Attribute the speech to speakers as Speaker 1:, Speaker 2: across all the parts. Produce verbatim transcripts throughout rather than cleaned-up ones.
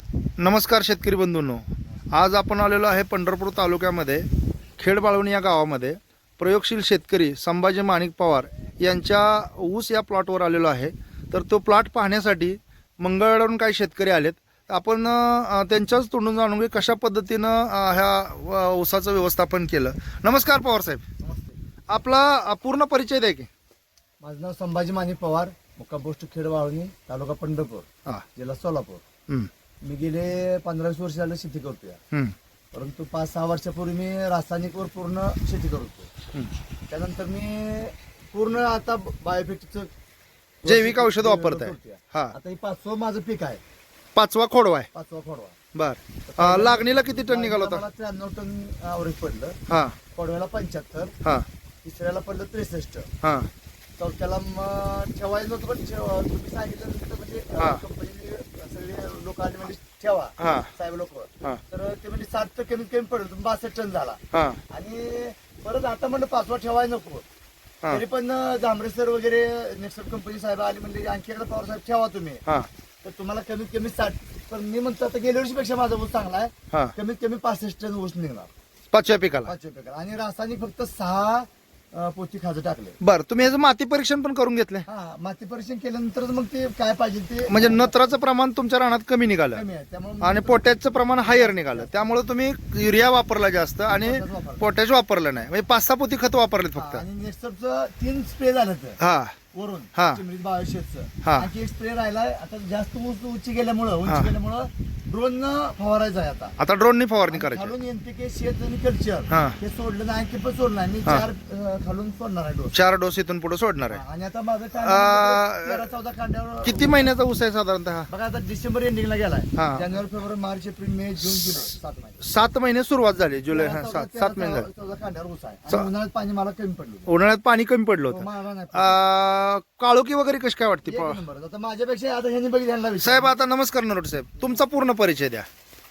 Speaker 1: नमस्कार शेतकरी बंधूंनो, आज आपण आलेलो आहे पंढरपूर तालुक्यामध्ये खेडबाळवणी या गावामध्ये प्रयोगशील शेतकरी संभाजी माणिक पवार यांच्या ऊस या प्लॉटवर आलेलो आहे. तर तो प्लॉट पाहण्यासाठी मंगळवेढ्यावरून काही शेतकरी आलेत. आपण अ, त्यांच्याच तोंडून जाणून घेऊ कशा पद्धतीनं अ, ह्या अ, ऊसाचं व्यवस्थापन केलं. नमस्कार पवार साहेब,
Speaker 2: नमस्ते.
Speaker 1: आपला अ, पूर्ण परिचय द्या की.
Speaker 2: माझं नाव संभाजी माणिक पवार, मुक्काम पोस्ट खेडवाळणी, तालुका पंढरपूर,
Speaker 1: हां.
Speaker 2: जिल्हा सोलापूर.
Speaker 1: हं,
Speaker 2: मी गेले पंधरा वीस वर्ष झालं शेती करतोय,
Speaker 1: हं,
Speaker 2: परंतु पाच सहा वर्षापूर्वी मी रासायनिकवर पूर्ण शेती करतो.
Speaker 1: हं.
Speaker 2: त्यानंतर मी पूर्ण आता बायोफिक्सचं
Speaker 1: जैविक औषध वापरताय.
Speaker 2: करतोय.
Speaker 1: हां.
Speaker 2: आता हे पाचवं माझं पीक आहे,
Speaker 1: पाचवा खोडवा आहे.
Speaker 2: पाचवा खोडवा.
Speaker 1: बर, अ, लागणीला किती टन निघाला होता?
Speaker 2: मला त्र्याण्णव टन ॲव्हरेज पडलं.
Speaker 1: हां,
Speaker 2: खोडव्याला पंच्याहत्तर,
Speaker 1: हां,
Speaker 2: तिसऱ्याला पडलं त्रेसष्ट,
Speaker 1: हां,
Speaker 2: चौथ्याला मग ठेवायचं नव्हतं, पण ठेव- तुम्ही सांगितलं नंतर म्हणजे
Speaker 1: हा.
Speaker 2: कंपनीने सगळे लोक आले म्हणजे ठेवा,
Speaker 1: हां,
Speaker 2: साहेब लोक.
Speaker 1: हां,
Speaker 2: तर ते म्हणजे सात तर कमीत कमी पडलं, तुम्ही बासष्ट टन झाला.
Speaker 1: हां,
Speaker 2: आणि परत आता म्हणलं पाचवा ठेवायला नको.
Speaker 1: हां.
Speaker 2: तरी पण जांभरे सर वगैरे नेक्स्ट कंपनी साहेब आले म्हणजे आणखी एकदा पवार साहेब ठेवा तुम्ही,
Speaker 1: हां,
Speaker 2: तर तुम्हाला कमीत कमी साठ. पण मी म्हणतो आता गेल्या वर्षीपेक्षा माझा ऊस चांगला आहे,
Speaker 1: हां.
Speaker 2: कमीत कमी पासष्ट टन ऊस निघणार
Speaker 1: पाचव्या पिकाला.
Speaker 2: पाचव्या पिकाला. आणि रासायनिक फक्त सहा अं, पोती खाजं टाकले.
Speaker 1: बर, तुम्ही ह्याचं माती परीक्षण पण करून घेतलंय?
Speaker 2: हा, माती परीक्षण केल्यानंतर मग ते काय पाहिजे ते
Speaker 1: म्हणजे नत्राचं प्रमाण तुमच्या रानात कमी निघालं
Speaker 2: कमी आहे, त्यामुळे
Speaker 1: आणि पोटॅशचं प्रमाण हायर निघालं. त्यामुळे तुम्ही युरिया वापरला जास्त आणि पोटॅश वापरलं नाही. म्हणजे पाच सहा पोती खत वापरलेत फक्त.
Speaker 2: आणि नेक्स्टचं तीन स्प्रे झालं तर
Speaker 1: हा,
Speaker 2: वरून
Speaker 1: हा.
Speaker 2: चिमरीत बायोशेटचं.
Speaker 1: हा.
Speaker 2: आणखी एक स्प्रे राहिलाय. आता जास्त उंच उंची गेल्यामुळं
Speaker 1: हा.
Speaker 2: उंची गेल्यामुळं ड्रोन फवारायचं आहे आता.
Speaker 1: आता ड्रोननी फवारणी
Speaker 2: आणि
Speaker 1: करायची.
Speaker 2: खालून एनपीके शेत आणि कल्चर
Speaker 1: हा.
Speaker 2: हे सोडलं नाही, आणखी पण सोडलं नाही. मी
Speaker 1: हा.
Speaker 2: चार अं, खालून सोडणार आहे डोस.
Speaker 1: चार डोस इथून पुढे सोडणार आहे.
Speaker 2: आणि आता माझं
Speaker 1: आ,
Speaker 2: कांड्यावर तेरा चौदा कांड्यावर.
Speaker 1: किती महिन्याचा ऊस आहे साधारणतः?
Speaker 2: बघा आता डिसेंबर एंडिंगला गेलाय.
Speaker 1: हा.
Speaker 2: जानेवारी फेब्रुवारी मार्च एप्रिल मे जून जुलै सात महिने.
Speaker 1: सात महिने सुरुवात झाली. जुलै
Speaker 2: तेरा
Speaker 1: हा,
Speaker 2: चौदा-
Speaker 1: सात
Speaker 2: तेरा
Speaker 1: सात महिने झाले.
Speaker 2: चौदा कांड्यावर ऊस आहे.
Speaker 1: च-
Speaker 2: आणि उन्हाळ्यात पाणी मला कमी पडलं.
Speaker 1: उन्हाळ्यात पाणी कमी पडलं होतं.
Speaker 2: मला नाही
Speaker 1: आ, काळोखी वगैरे कशी काय वाटते?
Speaker 2: एक नंबर. आता माझ्यापेक्षा आता ह्यांनी बघितलं ह्यांना विचार.
Speaker 1: साहेब आता नमस्कार नरोट साहेब, तुमचा पूर्ण परिचय द्या.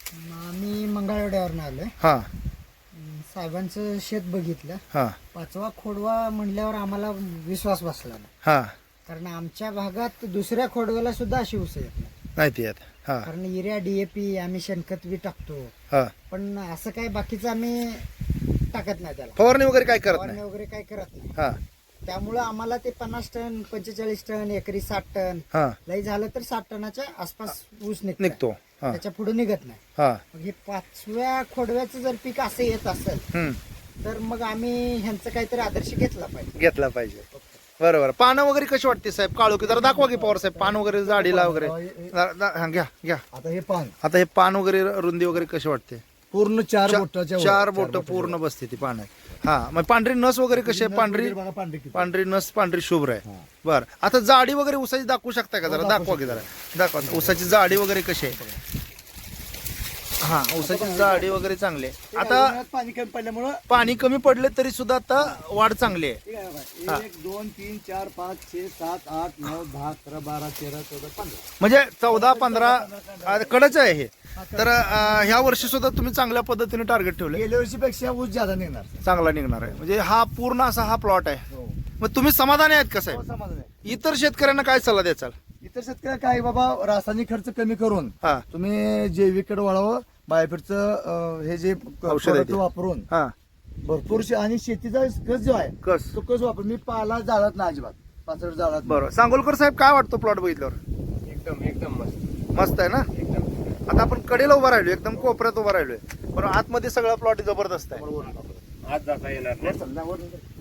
Speaker 3: मी मंगळवेढ्यावरून आलोय.
Speaker 1: हा,
Speaker 3: अं, साहेबांचं शेत बघितलं.
Speaker 1: हा,
Speaker 3: पाचवा खोडवा म्हणल्यावर आम्हाला विश्वास बसला नाही,
Speaker 1: हा.
Speaker 3: कारण आमच्या भागात दुसऱ्या खोडव्याला सुद्धा अशी ऊस येत नाही.
Speaker 1: नाही ती येत. हा,
Speaker 3: कारण युरिया डीएपी आम्ही शेणखत बी टाकतो,
Speaker 1: हा.
Speaker 3: पण असं काही बाकीचं आम्ही टाकत नाही त्याला.
Speaker 1: फवारणी वगैरे काय करत
Speaker 3: फवारणी
Speaker 1: नाही.
Speaker 3: वगैरे काही करत नाही.
Speaker 1: हा,
Speaker 3: त्यामुळं आम्हाला ते पन्नास टन पंचेचाळीस टन एकरी साठ टन
Speaker 1: हा.
Speaker 3: लई झालं तर साठ टनाच्या आसपास ऊस निघतो.
Speaker 1: निघतो. हा,
Speaker 3: त्याच्या पुढे निघत नाही.
Speaker 1: हा.
Speaker 3: मग हे पाचव्या खोडव्याचं जर पीक असं येत असेल
Speaker 1: हम्म.
Speaker 3: तर मग आम्ही ह्यांचं काहीतरी आदर्श घेतला पाहिजे.
Speaker 1: घेतला पाहिजे. बरोबर. पानं वगैरे कशी वाटते साहेब? काळोखी जरा दाखवा की पवार साहेब, पान वगैरे जाडीला वगैरे. जरा- दा- हा, घ्या घ्या.
Speaker 2: आता हे पान
Speaker 1: आता हे पान वगैरे रुंदी वगैरे कशी वाटते?
Speaker 2: पूर्ण चार
Speaker 1: चा-
Speaker 2: बोटाच्या वर.
Speaker 1: चार बोट पूर्ण बसते ती पाण्यात. हा, मग पांढरी नस वगैरे कशी आहे? पांढरी
Speaker 2: बघा पांढरी किती.
Speaker 1: पांढरी नस पांढरी शुभ्र आहे.
Speaker 2: हा.
Speaker 1: बर, आता जाडी वगैरे उसाची दाखवू शकता का जरा?
Speaker 2: हो, दाखवू
Speaker 1: दाखवा की जरा. दाखवा उसाची जाडी वगैरे कशी आहे? हा, उसाची जाडी वगैरे चांगली आहे.
Speaker 2: ते
Speaker 1: आता
Speaker 2: उन्हाळ्यात पाणी कमी पडल्यामुळं
Speaker 1: पाणी कमी पडले तरी सुद्धा आता वाढ चांगली आहे.
Speaker 2: ठीक आहे
Speaker 1: हा.
Speaker 2: बघा. एक दोन तीन चार पाच छे सात आठ नऊ दहा अकरा बारा तेरा चौदा पंधरा.
Speaker 1: म्हणजे चौदा पंधरा आ, कडच आहे हे. तर आ, ह्या वर्षी सुद्धा तुम्ही चांगल्या पद्धतीने टार्गेट ठेवले,
Speaker 2: गेल्या वर्षीपेक्षा ऊस ज्यादा निघणार.
Speaker 1: चांगला निघणार आहे. म्हणजे हा पूर्ण असा हा प्लॉट आहे.
Speaker 2: हो.
Speaker 1: मग तुम्ही समाधानी आहेत का
Speaker 2: हो,
Speaker 1: साहेब?
Speaker 2: समाधान आहे.
Speaker 1: इतर शेतकऱ्यांना काय सल्ला द्याचाल?
Speaker 2: इतर शेतकरी काय बाबा, रासायनिक खर्च कमी करून
Speaker 1: हा,
Speaker 2: तुम्ही जैविककडे वळावं. बायोफिटचं अं, हे जे
Speaker 1: औषध आहे ते.
Speaker 2: product वापरून
Speaker 1: हा.
Speaker 2: भरपूर शे- आणि शेतीचा कस जो आहे
Speaker 1: कस
Speaker 2: तो कस वापर. मी पाला जाळत ना अजिबात, पाचड जाळत.
Speaker 1: बरोबर. सांगोलकर साहेब, काय वाटतो प्लॉट बघितल्यावर?
Speaker 2: एकदम एकदम मस्त.
Speaker 1: मस्त आहे ना?
Speaker 2: एकदम
Speaker 1: आता आपण कडेला उभा राहिलो, एकदम कोपऱ्यात उभा राहिलोय, पण आतमध्ये सगळा प्लॉट जबरदस्त आहे.
Speaker 2: आज जाता येणार नाही.